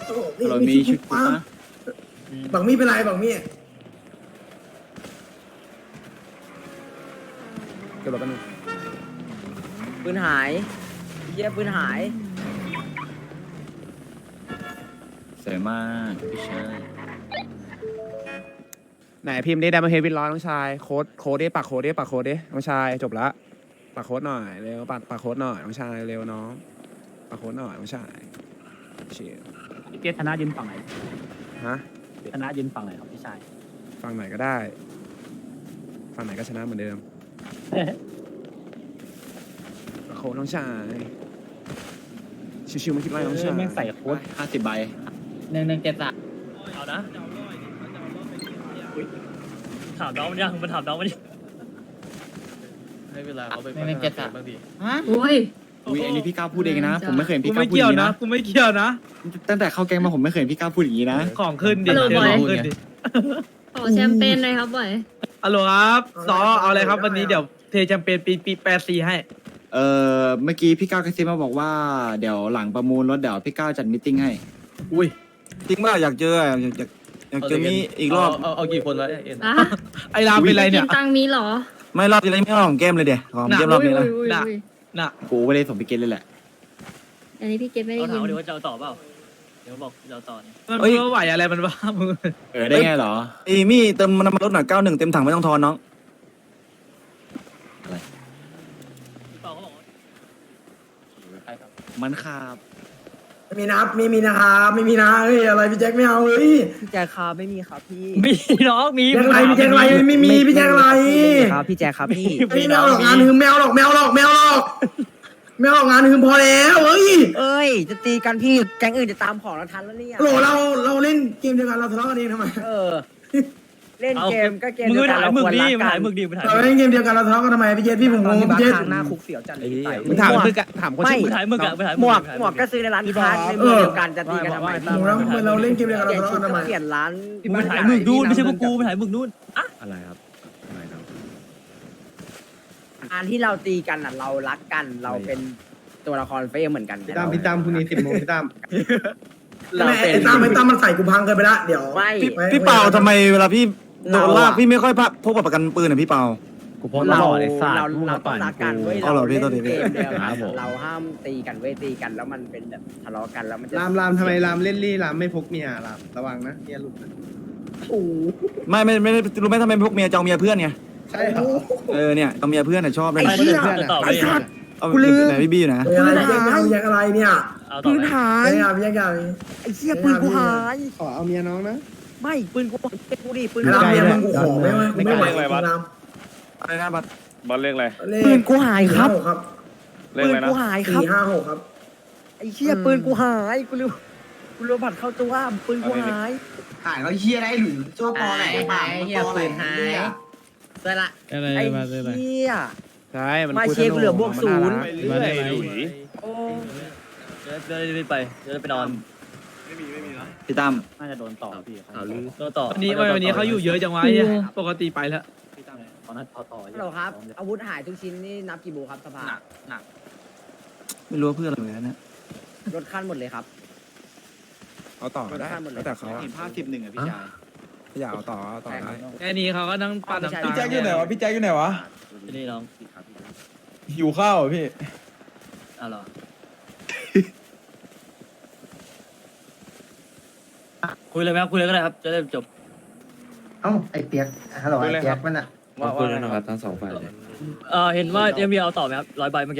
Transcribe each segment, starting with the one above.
เรามีชุดปะบังมี่เป็นไรบังมี่เก็บรถกันหนึ่งปืนหายเยี่ยปืนหายสวยมากพี่ชายไหนพิมพ์ได้ดัมเบลเฮดวินร้อยน้องชายโค้ดดิปักโค้ดดิปักโค้ดดิน้องชายจบละปักโค้ดหน่อยเร็วปักโค้ดหน่อยน้องชายเร็วน้องปักโค้ดหน่อยน้องชายเชียร์พี่เปียกธนายืนฝั่งไหนฮะธนายืนฝั่งไหนครับพี่ชายฝั่งไหนก็ได้ฝั่งไหนก็ชนะเหมือนเดิมปักโค้ดน้องชายชิวๆมาคิดไรน้องชายแม่งใส่โค้ด 50 ใบ 1173เอานะถามน้องมันยังมันถามน้องมันยังให้เวลาเขาไปไม่เก็ตอะบางทีอุ้ยอุ้ยอันนี้พี่ก้าวพูดเองนะ ผมไม่เคยเห็นกูพี่ก้าไม่วพูดอเกี่ยวย่างนี้นะนะกูไม่เกี่ยวนะตั้งแต่เข้าแก๊งมาผมไม่เคยเห็นพี่ก้าวพูดอย่างนี้นะของขึ้นดิฮัลโหลเดี๋ยวบอยของขึ้นดิขอแชมเปญหน่อยครับบ่อยฮัลโหลครับซอเอาอะไรครับวันนี้เดี๋ยวเทแชมเปญปี84ให้เมื่อกี้พี่ก้าวกระซิบมาบอกว่าเดี๋ยวหลังประมูลรถเดี๋ยวพี่ก้าวจัดมิทติ้งให้อุ้ยจริงป่ะอยากเจออยากเจอมีอีกรอบเอากี่คนวะเอ็นอ่ะไอ้รามเป็นไรเนี่ยกินตังค์มีเหรอไม่รอบที่แล้วไม่เอาของแก้มเลยเดี๋ยวของแก้มรอบนี้นะอุ้ยน่ะ น่ะกูไม่ได้ส่งพี่เกณฑ์เลยแหละอันนี้พี่เกดไม่ได้เขาถายิมนว่าเดี๋ยวจะเอาต่อเปล่าเดี๋ยวบอกจะเอาต่อเนี่ยมันไม่ไหวอะไรมันบ้ามึงได้ไงเหรอไอ้มี่เติมน้ำมันรถหน่อย91เต็มถังไม่ต้องทอนน้องพี่เปาเขาบอกว่ามันขาบไม่มีนะไม่มีนะครับไม่มีนะเฮ้ยอะไรพี่แจ็คไม่เอาเฮ้ยพี่แจ๊คครับไม่มีครับพี่มีน้องมีแจ็คอะไรพี่แจ็คอะไรไม่มีพี่แจ็คอะไรครับพี่แจ๊คครับพี่ไม่เอาหรอกงานหืมแมวหรอกแมวหรอกแมวหรอกแมวหรอกงานหืมพอแล้วเฮ้ยเอ้ยจะตีกันพี่แก๊งอื่นจะตามของเราทันแล้วเนี่ยโหลเราเล่นเกมเดียวกันเราทะเลาะกันเองทำไมเออ เล่นเกมก็เกมมึงเดียวไปกันถ่ายเรามึคกวรดิรักมึงกัถ่ายนมึกดิมึงถ่ายเรามึกเล่นเกมเดียวกันเราทะเลาะกันทำไมพี่เจพี่ผมงงตอนที่บ้าพี่นเจทางหน้าคุกเสียวจัดเลยพี่ไต่มึงถามมึงอะถามคนชื่อมึงถ่ายมึกอะไปถ่ายหมวกถ่ายหมวกก็ซื้อในร้านค้าในเมืองเดียวกันจะตีกันทำไมหมูแล้วเราเล่นเกมเดียวกันเปเราลี่ยนทะชุดเลาะกันทำไมก็เปลี่ยนร้านมึงไปถ่ายมึกนู่นไม่ใช่พวกกูไปถ่ายมึกนู่นอะไรครับอะไรครับอันที่เราตีกันอ่ะเรารักกันเราเป็นตัวละครเฟรมเหมือนกันพี่ตามพรุ่งนี้10 โมงพี่ตามเราเป็นไอ้ตั้มมันใส่กูพังเกินไปละเดี๋ยวไม่พี่เปาทำไมเวลาพี่โดนลากพี่ไม่ค่อยพกบัตรประกันปืนอ่ะพี่เปากูพอเราตลอดไอ้สัตว์เราต้องรักกันเว้ยเอาเหรอพี่เล่นโทษทีพี่เกมเดียวคกัรันบผมเราห้ามตีกันเว้ยตีกันแล้วมันเป็นแบบทะเลาะกันแล้วมันจะรามทำไมรามเล่นรี่รามไม่พกเมียรามระวังนะเมียหลุดนะโอ้โหไม่รู้ไหมทำไมพวกเมียจะเอาเมียเพื่อนไงใช่เหรอเนี่ยเอาเมียเพื่อนชอบเลยไอ้เพื่อนต่อไปเอาไหนพี่บี้อยู่นะอะไรพี่แจ็คไม่เอาพี่แจ็คอะไรเนี่ยเอาต่อปืนไปหายไม่เอาพี่แจ็คอะไรไอ้เหี้ยปืนกูหายขอเอาเมียน้องนะไม่ปืนกูดิปืนไอ้กูรามหายเมียมึงกูขอไม่ไหวรามอะไรนะบัตรบอลเลขอะไรปืนกูหายครับครับเลขปือะนไรนะกูหายครับ 456ครับไอ้เหี้ยปืนกูหายกูลืมบัตรเข้าตัวปืนกูหายหายแล้วเฮียได้หรือชอบตอแหลป่ะเหี้ยปืนหายเสร็จละอะไรไอ้มาเลยเหี้ยใช่มันมาคุยเช็คเหลือบวกมันศูน่านย์รักมาได้หลุยโอ้เดี๋ยวรีบไปเดี๋ยวไปนอนพี่ตั้มน่าจะโดนต่อพี่โดนต่อวันนี้เขาอยู่เยอะจังวะเนี่ยปกติไปแล้วตอนนั้นพอต่อฮัลโหลครับ อาวุธหายทุกชิ้นนี่นับกี่โบครับสภาไม่รู้ว่าเพื่อนอะไรเหมือนกันนะรถขั้นหมดเลยครับเอาต่อก็ได้แล้วแต่เขาอะเห็นภาพ10-1อ่ะพี่ชายอยากเอาต่อเอาต่อได้แค่นี้เขาก็นั่งปั่นน้ำตาพี่แจ็คอยู่ไหนวะนี่น้องหิวข้าวพี่อ้าวเหรอคุยเลยไหมครับคุยเลยก็ได้ครับจะได้จบเอ้าไอ้เปียกฮัลโหลไอ้เปียกมันอ่ะว่าว่าอะไรครับเห็นว่าเอ็มบีเอาต่อไหมครับ100 ใบเมื่อกี้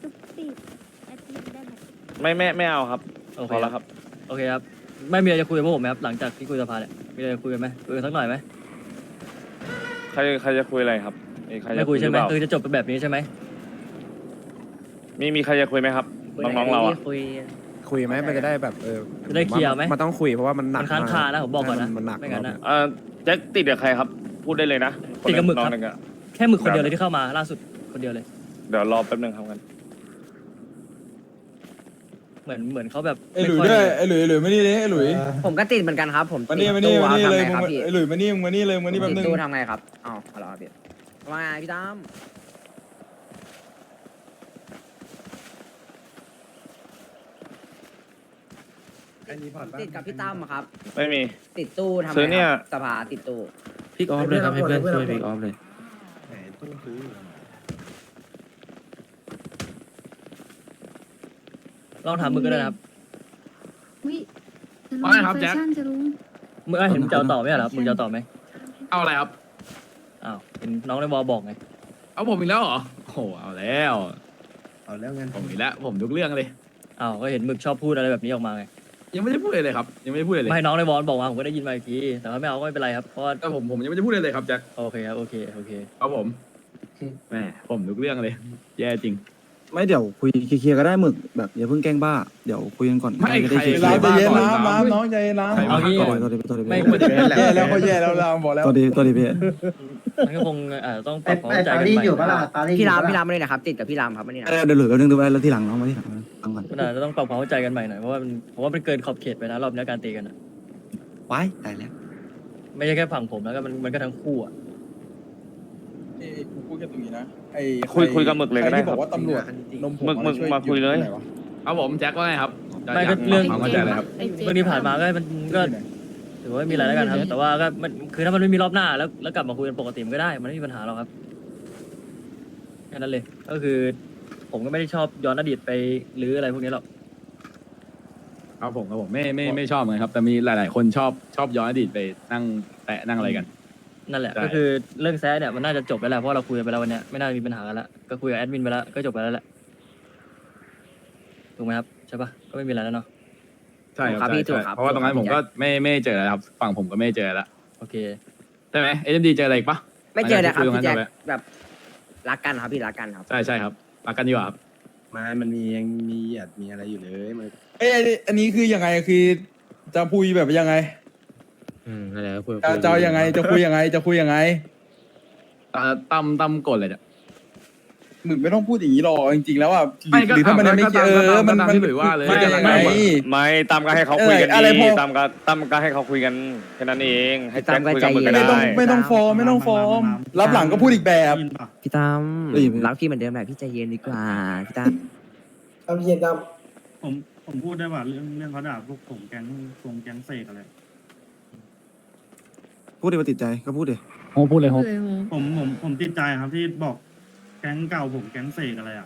ไม่เอาครับโอเคพอแล้วครับโอเคครับไม่มีอะไรจะคุยกับพวกผมไหมครับหลังจากที่คุยสภาเนี่ยมีอะไรจะคุยกันไหมคุยกันสักหน่อยไหมใครจะคุยอะไรครับใครไม่จะคุยใช่ไหมรือเปล่าคือจะจบเป็นแบบนี้ใช่ไหมมีใครจะคุยไหมครับน้องๆเราอ่ะคุยไหมมันจะได้แบบจะได้เคลียร์ไหมมันต้องคุยเพราะว่ามันหนัมักนค้างคานะผมบอกก่อนนะมันหนักไม่งั้นนะแจ็คติดกับใครครับ พูดได้เลยนะติดกับหมึกครับน้องนึงอะแค่หมึกคนเดียวเลยที่เข้ามาล่าสุดคนเดียวเลยเดี๋ยวรอแป๊บนึงครับกันเหมือนเขาแบบไอ้หลุยด้วยไอ้หลุยมานี่เลยไอ้หลุยผมก็ติดเหมือนกันครับ ผมมานี่ติดมานี่ตู้มานี่ทำเลยไงครับพี่ไอ้หลุยมานี่มานี่เลยมานี่แป๊บติดนึงตู้ทำไงครับอ้าวฮัลโหลครับพี่ว่าไงพี่ตั้มมติดกับพี่ตั้มอะครับไม่มีติดตู้ทำซื้อเนี่ยสภาติดตู้พิกออฟเลยครับให้เพื่อนช่วยพิกออฟเลยลองถามมึงก็ได้นะครับอุ้ยว่าไงครับแจ็คแฟชั่นจะรู้มึงเห็นมึงจะเอาต่อไหมเหรอมึงจะเอาต่อไหมเอาอะไรครับอ้าวเห็นน้องในวอลบอกไงเอาผมอีกแล้วเหรอโอ้โหเอาแล้วผมอีกแล้วผมทุกเรื่องเลยอ้าวก็เห็นมึกชอบพูดอะไรแบบนี้ออกมาไงยังไม่ได้พูดเลยครับ ยังไม่ได้พูดเลยไม่น้องในวอลบอกมาผมก็ได้ยินมาอีกทีแต่ว่าไม่เอาก็ไม่เป็นไรครับเพราะว่าแต่ผมยังไม่ได้พูดเลยครับแจ็คโอเคครับโอเคเอาผมแหมผมทุกเรื่องเลย แย่จริงไม่เดี๋ยวคุยเคลียร์ๆก็ได้หมึกแบบอย่าเพิ่งแกล้งบ้าเดี๋ยวคุยกันก่อนไม่จะได้ใครเคลียร์เราๆใจเย็นน้ำน้องใจเย็นน้ำเอางี้ตัวดีตัวดีไม่แย่แล้วเขาแย่แล้วเราบอกแล้วตัวดีพี่มันก็คงต้องปรับความเข้าใจกันใหม่พี่รามมาเลยนะครับ ติดกับพี่รามครับมานี่นะเดี๋ยวเหลือแป๊บนึงดูไปแล้วที่หลังน้องมาที่หลังฟังก่อนมันอาจจะต้องปรับความเข้าใจกันใหม่หน่อยเพราะว่ามันเกินขอบเขตไปนะรอบนี้การตีกันอะไว้ตายแล้วไม่ใช่แค่ฝั่งผมแล้วก็มันก็ทั้งคู่อะกูพูดแค่ตรงนี้นะไอ้คุยกับหมึกเลยก็ได้ที่บอกว่าตำรวจนมผงหมึกมาคุยเลยเอาผมแจ็คว่าไงครับไม่ก็เรื่องความเข้าใจเลยครับไอ้เจ๊เรื่องที่ผ่านมาก็มันก็ถือว่าไม่มีอะไรแล้วกันครับ แต่ว่าก็มันคือถ้ามันไม่มีรอบหน้าแล้วกลับมาคุยกันปกติมันก็ได้มันไม่มีปัญหาหรอกครับแค่นั้นเลยก็คือ ผมก็ไม่ได้ชอบย้อนอดีตไปหรืออะไรพวกนี้หรอกครับผมไม่ชอบเหมือนกันครับ แต่มีหลาย ๆ คนชอบย้อนอดีตไปนั่งแตะนั่งอะไรกันนั่นแหละใช่ก็คือเรื่องแซะเนี่ยมันน่าจะจบไปแล้วเพราะเราคุยกันไปแล้ววันเนี้ยไม่น่ามีปัญหากันแล้วก็คุยกับแอดมินไปแล้วก็จบไปแล้วแหละถูกไหมครับใช่ปะก็ไม่มีอะไรแล้วเนาะใช่คครัรับบพี่ใช่ถูกครับเพราะว่าตรงนั้นผมก็ไม่เจอแล้วครับ ฝั่งผมก็ไม่เจอแล้วโอเคใช่ไหมเอ็มดีเจออะไรอีกปะไม่เจอนะครับหลังพี่จากแจ็คที่คุยตรงนั้นจบแล้วแบบรักกันครับพี่รักกันครับใช่ครับรักกันดีกว่าครับมันยังมีหยาดมีอะไรอยู่เลยมันเอ้ยอันนี้คือยังไงคือจะคุยแบบยังไงนั่นแหละคุยจะเอายังไงจะคุยยังไงจะคุยยังไงตั้มกดเลยเนี่ยหมึกไม่ต้องพูดอย่างนี้หรอกจริงๆแล้วอ่ะไม่ก็หรือถ้ามันยังไม่ก็ตามมันก็ตามที่หลุยว่าเลยมันจะยังไงไม่ตามก็ให้เขาคุยกันอะไรดีพอตามก็ให้เขาคุยกันแค่นั้นเองให้แจ็คคุยกับมึงก็ไม่ได้ต้องฟอร์มไม่ต้องฟอร์มรับหลังก็พูดอีกแบบพี่ตั้มรักพี่เหมือนเดิมแหละพี่ใจเย็นดีกว่าพี่ตั้มทำเย็นดผมพูดได้ว่าเรื่องเขาด่าพวกผมแก๊งเสกอะไรพูดดิว่าติดใจก็พูดดิโอ้พูดเลยโฮเลยโหผมติดใจครับที่บอกแก๊งเก่าผมแก๊งเสกอะไรอ่ะ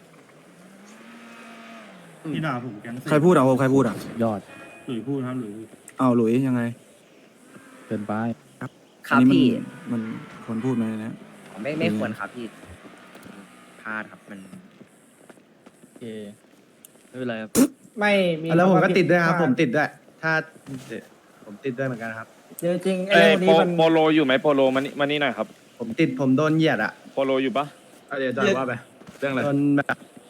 ที่ด่าผมแก๊งเสกใครพูดใครพูดยอดหรือพูดครับหรืออ้าวหลุยยังไงเกินไปครับอันนี้พี่มันควรพูดไหมนะไม่ควรครับพี่พลาดครับมันโอเคไม่เป็นไรครับไม่มีแล้วผมก็ติดด้วยครับ ผมติดด้วย ถ้าผมติดด้วยเหมือนกันครับจริงเอ้ยโปโลอยู่ไหมโปโลมานี่หน่อยครับผมโดนเหยียดอ่ะโปโลอยู่ปะเดี๋ยวจอยว่าไปเรื่องอะไรโดนแบบ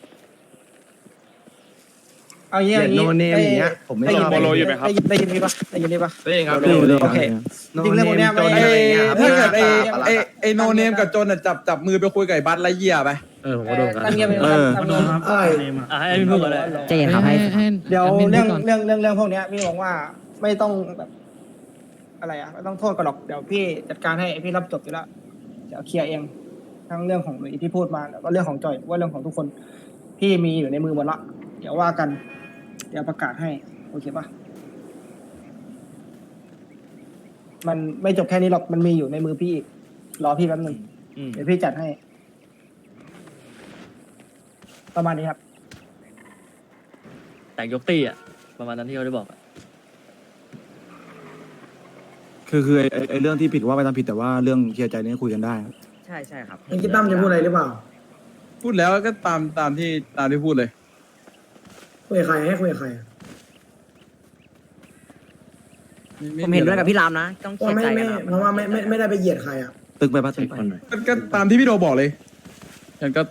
เอาเหยีงี้ยดโนเนมอย่างเงี้ยผมไม่ชอบโปโลอยู่ไหมครับได้ยินนี่ปะได้ยินนี่ปะได้ยินครับโอเคจริงเรื่องพวกเนี้ยไม่ถ้าเกิดไอ้โนเนมกับโจนจับมือไปคุยกับไอ้บัตไรเยียไปผมก็โดนกันตั้งเงียบไปก็โดนครับเนมอ่ะให้แอดมินพูดก่อนเลยใจเย็นครับให้เดี๋ยวเรื่องพวกเนี้ยพี่บอกว่าไม่ต้องแบบอะไรอ่ะไม่ต้องโทษกันหรอกเดี๋ยวพี่จัดการให้พี่รับจบอยู่แล้วเดี๋ยวเคลียร์เองทั้งเรื่องของหลุยที่พูดมาแล้วก็เรื่องของจอยว่าเรื่องของทุกคนพี่มีอยู่ในมือหมดละเดี๋ยวว่ากัน เดี๋ยวประกาศให้โอเคปะมันไม่จบแค่นี้หรอกมันมีอยู่ในมือพี่อีกรอพี่แป๊บนึงเดี๋ยวพี่จัดให้ ประมาณนี้ครับแต่งยกตีอ่ะประมาณนั้นที่เขาได้บอกอะคือไอ้เรื่องที่ผิดว่าไปทำผิดแต่ว่าเรื่องเคลียร์ใจนี่คุยกันได้ใช่ครับไอ้คิดตั้มจะพูดอะไรหรือเปล่าพูดแล้วก็ตามที่พูดเลยคุยกับใครให้คุยกับใครผมเห็นด้วยกับพี่รามนะต้องเพเคลีราะยร์ไม่ใจกันนะเพราะว่าไม่ได้ไปเหยียดใครอ่ะตึกไปปะตึกไปก็ตามที่พี่โดบอกเลยอย่างก็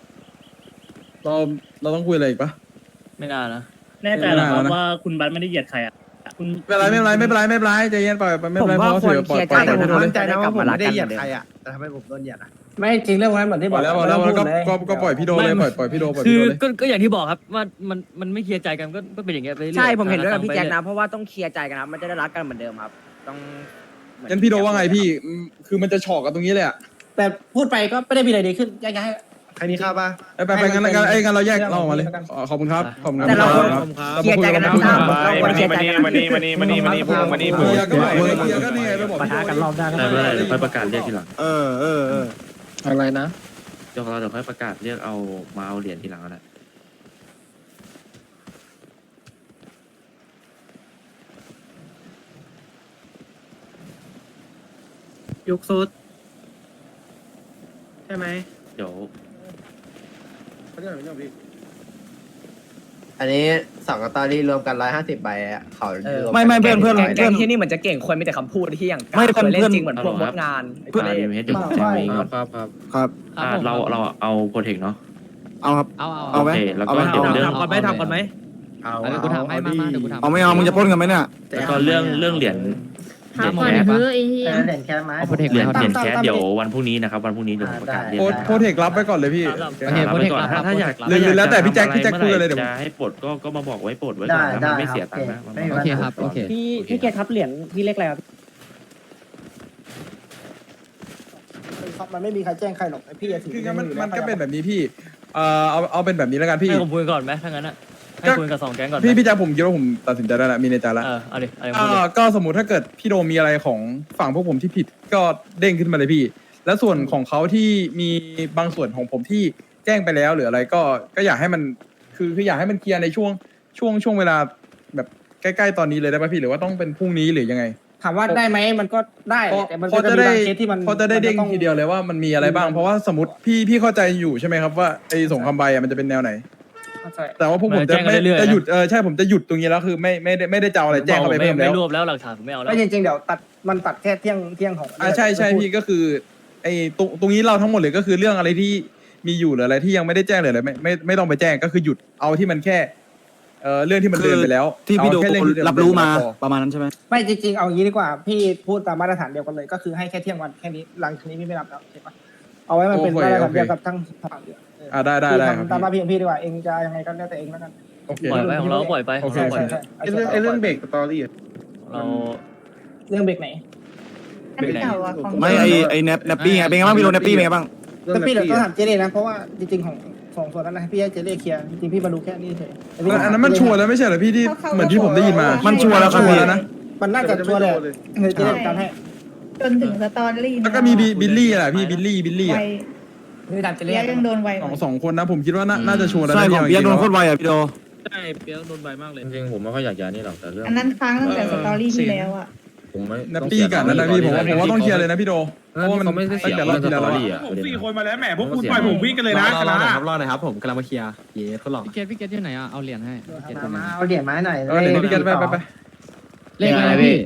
เราต้องคุยอะไรอีกปะไม่น่านะแน่ใจเหรอครับไม่น่านะว่าคุณบัตไม่ได้เหยียดใครอ่ะคุณไม่เป็นไรใจเย็นปล่อยไม่ผเป็นมไรว่าเพราะควรเสียเคลียร์ใจแต่กันผมนะมั่นใจนะว่าผมไม่ได้เหยียดกลับใครมารักกันอ่ะแต่ทำไมผมโดนเหยียดอ่ะไม่จริงเรื่องพวกนั้นเหมือนที่บบออก กแล้วก็ปล่อยพี่โดเลยปล่อยพี่โดปล่อยคืพี่อโดเลยก็อย่างที่บอกครับว่ามันไม่เคลียร์ใจกันก็เป็นอย่างเงี้ยไปเรื่อยใช่ผมเห็นด้วยกับพี่แจ็คไปนะเพราะว่าต้องเคลียร์ใจกันครับมันจะได้รักกันเหมือนเดิมครับ ต้องงั้นพี่โดว่าไงพี่คือมันจะฉอกกันตรงนี้เลยอ่ะแต่พูดไปก็ไม่ได้มีอะไรดีขึ้นแยกย้ายใครมีข้าวป่ะไปงั้นเราแยกเราออกมาเลยขอบคุณครับขอบคุณครับแต่เราเคลียร์ใจกันนะมานี่พูดเคลียร์ก็ไม่เคลียร์ก็นี่ไงไปบอกปะทะกันรอบหน้าก็ไม่ได้เป็นไรเดี๋ยวค่อยประกาศเรียกทีหลังอะไรนะเดี๋ยวเราเดี๋ยวค่อยประกาศเรียกเอามาเอาเหรียญทีหลังก็ได้ยุกซุดใช่ไหมเดี๋ยวอันนี้สองกตอรี่รวมกัน150ใบอ่ะเขาไม่เพื่อนแก๊งที่นี่เหมือนจะเก่งคนมีแต่คำพูดที่อย่างไม่เพื่อนเล่นจริงเหมือนพวกมดงานเพื่อนเดี๋ยวผมจะมีก่อนครับเราเอาโปรเทคเนาะเอาครับเอาเอาไหมโอเคแล้วก็เดี๋ยวเรื่องทำก่อนไหมทำก่อนไหมกูถามให้มาเดี๋ยวกูถามเอาไม่เอามึงจะปล้นกันไหมเนี่ยแล้วก็เรื่องเหรียญถามก่อนเฮ้ยไอ้เหี้ยเหรียญแค่ไม้เอาโปรเทคเหรียญแล้วแคสเดี๋ยววันพรุ่งนี้นะครับวันพรุ่งนี้เดี๋ยวผมประกาศเรียกโพเทครับไว้ก่อนเลยพี่โอเคโปรเทครับถ้าอยากหรือแล้วแต่พี่แจ็คคุยกันเลยเดี๋ยวจะให้ปลดก็มาบอกไว้ปลดไว้ก่อนนะมันไม่เสียตังค์นะโอเคครับโอเคพี่เกครับเหรียญพี่เล็กอะไรครับมันไม่มีใครแจ้งใครหรอกพี่จะถือคือมันก็เป็นแบบนี้พี่เอาเป็นแบบนี้แล้วกันพี่ให้ผมคุยก่อนไหมถ้างั้นอะให้คุยกับ2 แก๊งก่อนไหมพี่แจ็คผมคิดว่าผมตัดสินใจได้แล้วมีในใจแล้วเอาดิพูดดิก็สมมุติถ้าเกิดพี่โดมมีอะไรของฝั่งพวกผมที่ผิดก็เด้งขึ้นมาเลยพี่ แล้วส่วนของเขาที่มีบางส่วนของผมที่แจ้งไปแล้วหรืออะไรก็อยากให้มันคืออยากให้มันเคลียร์ในช่วงเวลาแบบใกล้ๆตอนนี้เลยได้ป่ะพี่หรือว่าต้องเป็นพรุ่งนี้หรือยังไงถามว่าได้ไหมมันก็ได้แต่มันพอก็จะจะมีได้บางเคสที่มันพอจะได้เด้งทีเดียวเลยว่ามันมีอะไรบ้างเพราะว่าสมมติพี่เข้าใจอยู่ใช่ไหมครับว่าไอ้สงครามใบมันจะเป็นแนวไหน แต่ว่าพวกผมจะไม่จะหยุดใช่ผมจะหยุดตรงนี้แล้วคือไม่ได้จะเอาอะไรแจ้งเข้าไปเพิ่มแล้วไม่รวบแล้วหลักฐานผมไม่เอาแล้วไม่จริงๆเดี๋ยวตัดแค่เที่ยงของใช่พี่ก็คือไอ้ตรงนี้เราทั้งหมดเลยก็คือเรื่องอะไรที่มีอยู่หรืออะไรที่ยังไม่ได้แจ้งเลยอะไรไม่ต้องไปแจ้งก็คือหยุดเอาที่มันแค่เรื่องที่มันเดินไปแล้วที่พี่โดเอาแค่เรื่องที่เดินรับรู้มาไปแล้วประมาณนั้นใช่ไหมไม่จริงๆเอางี้ดีกว่าพี่พูดตามมาตรฐานเดียวกันเลยก็คือให้แค่เที่ยงวันแค่นี้หลังจากนี้พี่ไม่รับแล้วใช่ปะเอาไว้มันเป็นมาตรฐานเดียวกับทั้งฝั่งเดียวได้พี่ครับทำตามมาพี่ของพี่ดีกว่าเองจะยังไงก็แล้วแต่เองแล้วกันโอเคปล่อยไปของเราก็ปล่อยไปโอเคปล่อยไปเรื่องเบรกสตอรี่เราเรื่องเบรกไหนเบรกไหนไม่ไอ้แนปปี้ไงเป็นไงบ้างพี่โดนแนปปี้เป็นไงบ้างแต่พี่เดี๋ยวต้องถามเจเล่นะเพราะว่าจริงๆของสองส่วนนั้นนะพี่ให้เจเล่เคลียร์จริงๆพี่มาดูแค่นี้เฉยอันนั้นมันชัวร์แล้วไม่ใช่เหรอพี่ที่เหมือนที่ผมได้ยินมามันชัวร์แล้วครับพี่นะมันน่าจะชัวร์เลยเจเล่การให้จนถึงสตอรี่แล้วก็มีบิลลี่แหละพี่บิลลี่อ่ะพี่ตามเจเล่ยังโดนไวสองคนนะผมคิดว่าน่าจะชัวร์แล้วใช่ของเปียกโดนโคตรไวอ่ะพี่โดใช่เปียกโดนใบมากเลยจริงๆผมไม่ค่อยอยากย้ายนี่หรอกแต่เรื่องอันนั้นค้างตั้งแต่สตอรี่ที่แล้วอ่ะผมไม่แนปปี้กันนั่นนะพี่ผมว่าต้องเคลียร์เลยนะพี่โดเพราะว่ามันไม่ได้เสียแต่รเรื่ออบ งสที่แล้วตออะรี่อ่ะผม4 คนมาแล้วแหมพวกคุณปล่อยผมวิ่งกันเลยนะคณะรอหน่อยครับผมกำลังมาเคลียร์เย้ทดลองพี่เกตอยู่ไหนอ่ะเอาเหรียญให้พี่เกตอยู่ไหนเอาเหรียญไม้หน่อยเดี๋ยวพี่กันไปเลขอะไรพี่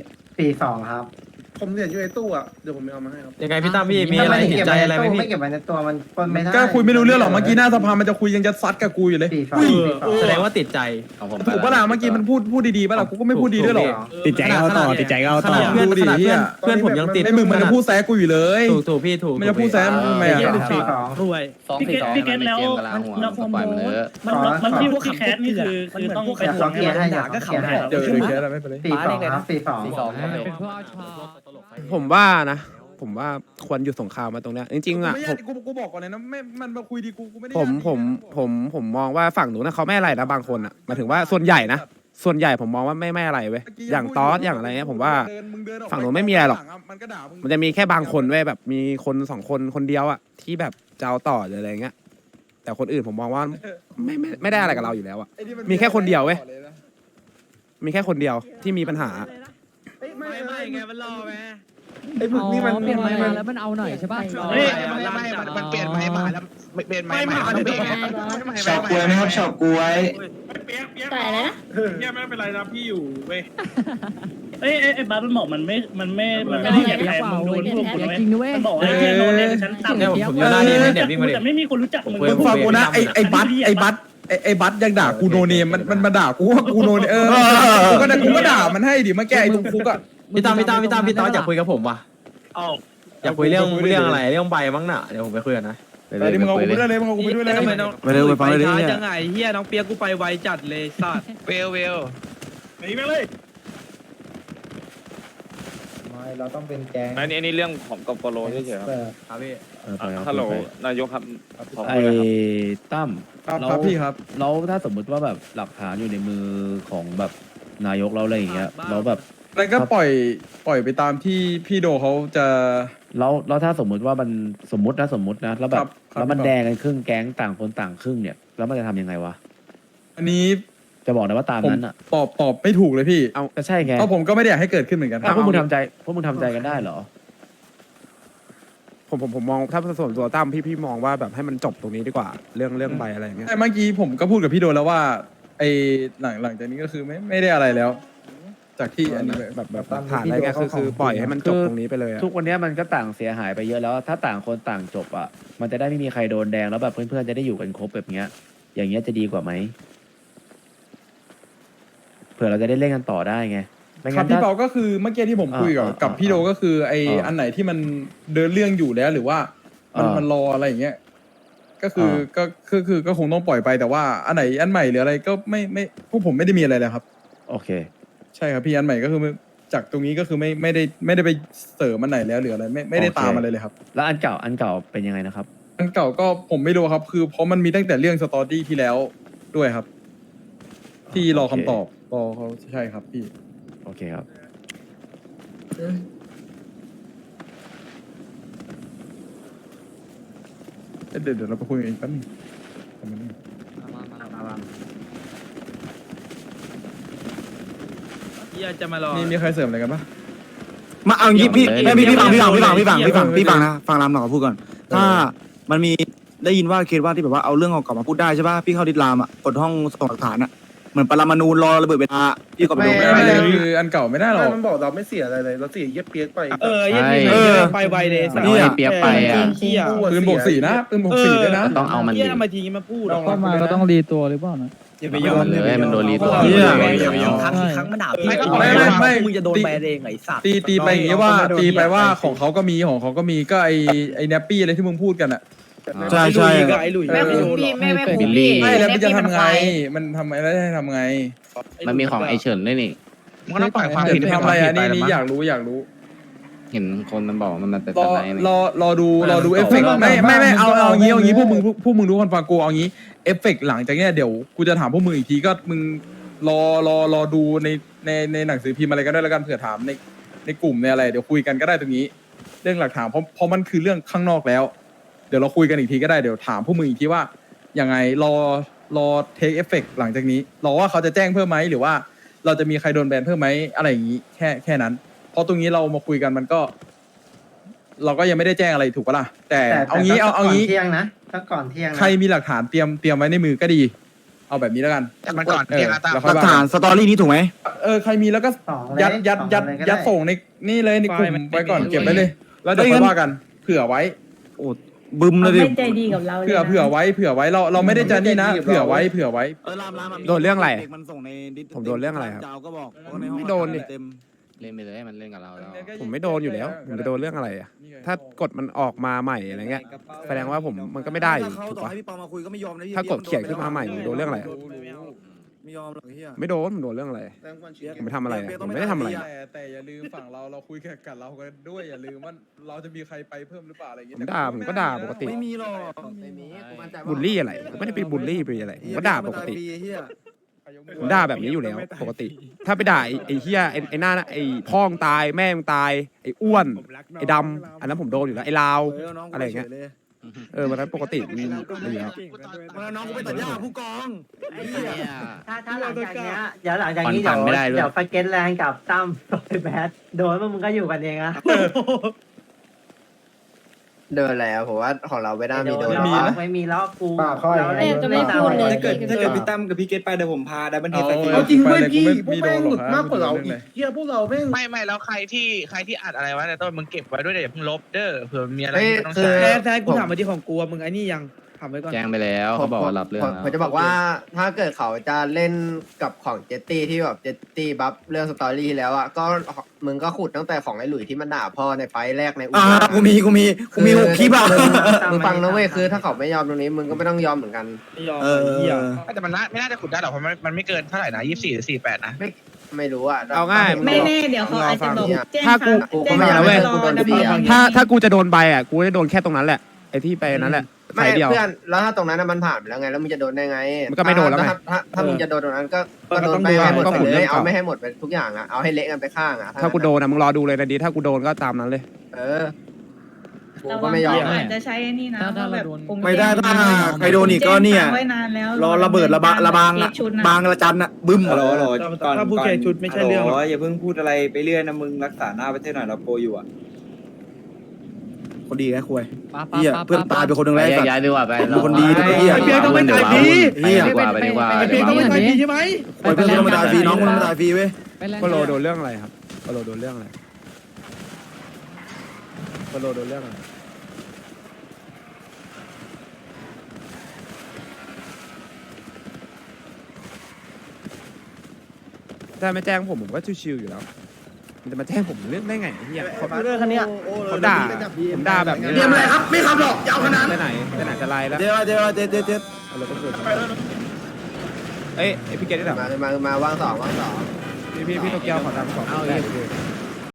42ครับผมเหรียญอยู่ในตู้อ่ะเดี๋ยวผมเอามาให้ครับยังไงพี่ตั้มพี่มีอะไรติดใจอะไรไหมพี่ไม่เก็บไว้ในตัวมันคนไม่ได้ก็คุยไม่รู้เรื่องหรอกเมื่อกี้หน้าสภามันจะคุยยังจะซัดกับกูอยู่เลยแสดงว่าติดใจถูกปะล่ะเมื่อกี้มันพูดดีๆปะล่ะกูก็ไม่พูดดีด้วยหรอกติดใจเอาต่อติดใจเอาต่อเพื่อนเพื่อนผมยังติดไอ้มึงมันจะพูดแซะกูอยู่เลยถูกพี่ถูกมันจะพูดแซะทำไมอ่ะรวยพี่เกตแล้วมันคอมโบมันที่พวกแคสนี่คือต้องไปทวงให้ด่าก็ขำให้เดี๋ยวแค่อะไรไม่เป็นไรผมว่านะผมว่าควรหยุดสงครามมาตรงเนี้ยจริงๆอ่ะไม่ผมกูบอกก่อนเลยนะไม่มันมาคุยดีกูไม่ได้ผมมองว่าฝั่งหนูนะเขาไม่อะไรนะบางคนอ่ะหมายถึงว่าส่วนใหญ่นะส่วนใหญ่ผมมองว่าไม่อะไรเว้ยอย่างตอสอย่างอะไรเงี้ยผมว่าฝั่งหนูไม่มีอะไรหรอกมันจะมีแค่บางคนเว้ยแบบมีคน2 คนคนเดียวอ่ะที่แบบจะเอาต่อหรืออะไรเงี้ยแต่คนอื่นผมมองว่าไม่ได้อะไรกับเราอยู่แล้วอ่ะมีแค่คนเดียวเว้ยมีแค่คนเดียวที่มีปัญหาไม่ไงมันรอไหมไอ้พวกนี้มันเปลี่ยนไม้มาแล้วมันเอาหน่อยใช่ป่ะมันเปลี่ยนไม้มาแล้วเปลี่ยนไม้มาชอบกล้วยไหมครับชอบกล้วยเปียกใส่เลยนะเนี่ยไม่เป็นไรนะพี่อยู่เว้ยไอ้บ้ามันบอกมันไม่ได้เหยียบใครมึงโดนพวกคุณไหมมันบอกไอ้เนี่ยโดนเนี่ยฉันต่ำผมอยู่หน้านี้เดี๋ยวพี่มาดิแต่ไม่มีคนรู้จักมึงมึงฟังกูนะไอ้บัตยังด่ากูโนเนมมันมาด่ากูว่ากูโนเนมกูก็ด่ามันให้ดิมาแก้ไอ้ตรงคุกอ่ะพี่ตั้มพี่ตอสอยากคุยกับผมว่ะอยากคุยเรื่องอะไรเรื่องใบมั้งน่ะเดี๋ยวผมไปคุยกันนะไปดิมึงเอากูไปด้วยเลยมึงเอากูไปด้วยเลยไปเร็วไปฟังเลยดิเนี่ยยังไงเฮียน้องเปียกกูไปไวจัดเลยสัตว์หนีไปเลยเราต้องเป็นแก๊งอันนี้เรื่องของกปรเฉยๆครับครับพี่ฮัลโหลนายกครับขอไอ้คุยหน่อยครับตั้มครับพี่ครับแล้วถ้าสมมุติว่าแบบหลักฐานอยู่ในมือของแบบนายกเราอะไรอย่างเงี้ยแล้วแบบแล้วก็ปล่อยไปตามที่พี่โดเขาจะแล้วถ้าสมมุติว่ามันสมมตินะแล้วแบครับ บครับแล้วมันแดงกันครึ่งแก๊งต่างคนต่างครึ่งเนี่ยแล้วมันจะทำยังไงวะอันนี้จะบอกนะว่าตามผมนั้นอ่ะตอบไม่ถูกเลยพี่ก็ใช่ไงเพราะผมก็ไม่ได้อยากให้เกิดขึ้นเหมือนกันพวกมึงทำใจกันได้เหรอผมมองถ้าส่วนตัวตั้มพี่มองว่าแบบให้มันจบตรงนี้ดีกว่าเรื่องใบอะไรอย่างเงี้ยแต่เมื่อกี้ผมก็พูดกับพี่โดแล้วว่าไอ้หลังจากนี้ก็คือไม่ได้อะไรแล้ว จากที่อันนี้แบบผ่านอะไรเงี้ยคือปล่อยให้มันจบตรงนี้ไปเลยอะทุกวันเนี้ยมันก็ต่างเสียหายไปเยอะแล้ว ถ้าต่างคนต่างจบอ่ะมันจะได้ไม่มีใครโดนแดงแล้วแบบเพื่อนๆจะได้อยู่กันครบแบบเนี้ย อย่างเงี้ยจะดีกว่าไหมเผื่อเราจะได้เล่นกันต่อได้ไงไม่ครังั้บนพี่ถ้าเปาก็คือเมื่อกี้ที่ผมคุยกับพี่โดก็คือไอ้อันไหนที่มันเดินเรื่องอยู่แล้วหรือว่ามันรออะไรอย่างเงี้ยก็คือก็คงต้องปล่อยไปแต่ว่าอันไหนอันใหม่หรืออะไรก็ไม่พวกผมไม่ได้มีอะไรเลยครับโอเคใช่ครับพี่อันใหม่ก็คือจากตรงนี้ก็คือไม่ได้ไปเสริมอันไหนแล้วหรืออะไรไม่ได้ตามอะไรเลยครับแล้วอันเก่าเป็นยังไงนะครับอันเก่าก็ผมไม่รู้ครับ คือเพราะมันมีตั้งแต่เรื่องสตอรี่ที่แล้วด้วยครับ ที่รอคำตอบรอเขาใช่ครับพี่โอเคครับเดี๋ยวเราไปคุยกันอีกแป๊บนึงมีใครเสริมอะไรกันปะมาเอางี้พี่ไม่พี่ฟังไม่พี่ฟังนะฟังรามหน่อยพูดก่อนถ้ามันมีได้ยินว่าเคสว่าที่แบบว่าเอาเรื่องของเก่ามาพูดได้ใช่ป่ะพี่เข้าดิสลามอ่ะกดห้องส่งหลักฐานอ่ะเหมือนปรมาณูรอระเบิดเวลาพี่ก็ไปดูไม่เลยคืออันเก่าไม่ได้หรอกมันบอกเราไม่เสียอะไรเลยเราเสียเย็บเปียกไปไปไวเลยมันเอาไอ้เปียกไปอ่ะปืนบวก 4นะปืนบวก 4ด้วยนะต้องเอามันดิทำไมทีนี้มาพูดเข้ามาก็ต้องรีตัวหรือเปล่านะอย่าไปเอายอมมันเลยมันโดนรีตัวครั้งครั้งมันด่าพี่ไม่มึงจะโดนแบนเองไอ้สัตว์ตีไปอย่างงี้ว่าตีไปว่าของเขาก็มีของเขาก็มีก็ไอ้แนปปี้อะไรที่มึงพูดกันอ่ะใช่ไอ้หลุยแม่คุ้มพี่แม่คุ้มบิลลี่ไม่แล้วมันจะทำไงมันทำไงแล้วจะทำไงมันมีของไอเฉินด้วยนี่มันก็ต้องปล่อยความเดี๋ผิยดวทำอะไรอ่ะนี่อยากรู้เห็นคนมันบอกมันเป็นรสอไลด์นี่รอดูเอฟเฟกต์ไม่เอางี้พวกมึงรู้คนฟังกูเอางี้เอฟเฟกต์หลังจากเนี้ยเดี๋ยวกูจะถามพวกมึงอีกทีก็มึงรอดูในหนังสือพิมพ์อะไรก็ได้แล้วกันเผื่อถามในกลุ่มในอะไรเดี๋ยวคุยกันก็ได้ตรงนี้ เรื่องหลักฐานเพราะมันคือเรื่องข้างนอกแล้ว เดี๋ยวเราคุยกันอีกทีก็ได้เดี๋ยวถามพวกมึงอีกทีว่ายังไงรอเทคเอฟเฟกต์หลังจากนี้รอว่าเขาจะแจ้งเพิ่มไหมหรือว่าเราจะมีใครโดนแบนเพิ่มไหมอะไรอย่างนี้แค่นั้นเพราะตรงนี้เรามาคุยกันมันก็ เราก็ยังไม่ได้แจ้งอะไรถูกปะล่ะแต่เอางี้เที่ยงนะถ้าก่อนเที่ยงใครมีหลักฐานเตรียมไว้ในมือก็ดี เอาแบบนี้แล้วกันแต่มันก่อนเที่ยงอะตามแล้วหค่อลัยกว่าฐานสตอรี่นี้ถูกไหมใครมีแล้วก็ ยัดส่งในนี่เลยในกลุ่มไว้ก่อนเก็บไว้เลย แล้วเดี๋ยวค่อยว่ากันเผื่อไว้โอ้บึมเลยดิไม่ใจดีกับเราเลยเผื่อไว้เราไม่ได้จะนี่นะเผื่อไว้โดนเรื่องอะไรมันส่งในดิสผมโดนเรื่องอะไรครับเจ้าก็บอกว่าในห้องไม่โดนดิเต็มเล่นไปเลยมันเล่นกับเราแล้วผมไม่โดนอยู่แล้วผมจะโดนเรื่องอะไรอ่ะถ้ากฎมันออกมาใหม่อะไรเงี้ยแสดงว่าผมมันก็ไม่ได้อยู่ถ้าเขาถูกต่อปะให้พี่ปอมาคุยก็ไม่ยอมนะพี่ถ้ากฎเขียนขึ้นมาใหม่ผมโดนเรื่องอะไรอะไม่ยอมหรอกเฮียไม่โดนผมโดนเรื่องอะไรผมไม่ทำอะไรอะผมไม่ได้ทำอะไรอะแต่อย่าลืมฝั่งเราคุยกับเรากันด้วยอย่าลืมว่าเราจะมีใครไปเพิ่มหรือเปล่าอะไรอย่างผเงี้มด่าผมก็ด่าปกติไม่มีหรอกบูลลี่อะไรผมไม่ได้ไปบูลลี่ไปอะไรผมก็ด่าปกติเฮียผมด่าแบบนี้อยู่แล้วปกติ ถ้าไปด่าไอ้เฮียไอ้หน้าไอ้พ่อมึงตายแม่มึงตายไอ้อ้วนไอ้ดำอันนั้นผมโดนอยู่แล้วไอ้ลาวอะไรอย่างเงี้ยวันนั้นปกติมีอยู่แล้วมาน้องกูไปตัดหญ้าผู้กองถ้าหลังจากเนี้ยเดี๋ยวหลังจากนี้เดี๋ยวไปเก็ตแรงกับตั้มไปแบทโดนมึงก็อยู่กันเองอะเดินแล้วผมว่าของเราไม่ได้มีโดนไม่มีแล้วกูจะไม่พูดเลยถ้าเกิดพี่ตั้มกับพี่เกตไปเดี๋ยวผมพาดับเบิลเฮดไปเอาจริงเว้ยพี่พวกแม่งหลุดมากกว่าเราเฮียพวกเราแม่งไม่แล้วใครที่อัดอะไรวะแต่ต้นมึงเก็บไว้ด้วยเดี๋ยวมึงลบเด้อเผื่อมีอะไรที่ต้องใช้แท้กูถามมาที่ของกูมึงไอ้นี่ยังทำไว้ก่อนแจ้งไปแล้วเขาบอกว่ารับเรื่องผมจะบอกว่าถ้าเกิดเขาจะเล่นกับของเจตตี้ที่แบบเจตตี้บัฟเรื่องสตอรี่แล้วอ่ะก็มึงก็ขุดตั้งแต่ของไอ้หลุยที่มันด่าพ่อในไฟแรกในอุ้กูมี6คลิปอ่ะมึงฟังนะเว้ยคือถ้าเขาไม่ยอมตรงนี้มึงก็ไม่ต้องยอมเหมือนกันไม่ยอมแต่มันไม่น่าจะขุดได้หรอกเพราะมันไม่เกินเท่าไหร่นะ24 หรือ 48นะไม่รู้อ่ะเอาง่ายไม่แน่เดี๋ยวเขาอาจจะบอกแจ้งถ้ากูแจ้งไม่เอาเว้ยรอดำเนินคดีถ้ากูจะโดนใบอ่ะกูจะโดนแค่ตรงนั้นแหละไอ้ที่ไปนั้นแหละไม่สายเดียวเพื่อนแล้วถ้าตรงนั้นมันผ่านไปแล้วไงแล้วมึงจะโดนได้ไงมันก็ไม่โดนแล้วไงถ้ามึงจะโดนตรงนั้นก็โดนไปก็ให้หมดก็หมุนเลเรื่ยองเอาเก่าไม่ให้หมดไปทุกอย่างอ่ะเอาให้เละกันไปข้างอ่ะถ้ากูโดนอ่ะมึงรอดูเลยนะดีถ้ากูโดนก็ตามนั้นเลยเออกูระก็วังไม่ยอมอาจจะใช้นี่นะแบบปุ่ไม่ได้ถ้าใครโดนอีกก็เนี่ยไว้นานแล้วรอระเบิดระบางบางระจันอะบึ้มฮัลโหลฮัลโหลก่อนถ้าผู้แข่งชุดไม่ใช่เรื่องหรอกอย่าเพิ่งพูดอะไรไปเรื่อยนะมึงรักษาหน้าประเทศหน่อยเราโปรอยู่อ่ะคนดีแค่คุยเฮียเพื่อนตายไปคนหนึ่งแล้วย้ายดีกว่าไปเป็นคนดีนะเฮียเพียงต้องไปตายฟรีเฮียดีกว่าไปดีกว่าเพียงต้องไม่ตายดีใช่ไหมเพื่อนต้องมาตายฟรีน้องมันมาตายฟรีเว้ยก็โลโดนเรื่องอะไรครับก็โลโดนเรื่องอะไรก็โลโดนเรื่องอะไรถ้าไม่แจ้งผมก็ชิวๆอยู่แล้วมันจะมาแจ้งผมเรื่องได้ไงเฮียเขาเรื่องคันเนี้ยเขาด่าผมด่าแบบนี้เตรียมอะไรครับไม่ขับหรอกยาวขนาดไปไหนจะไล่แล้วเดี๋ยวเอารถไปคืนเอ้ยพี่เกดได้หรอมาว่างสองพี่โตเกียวขอตังค์2เอา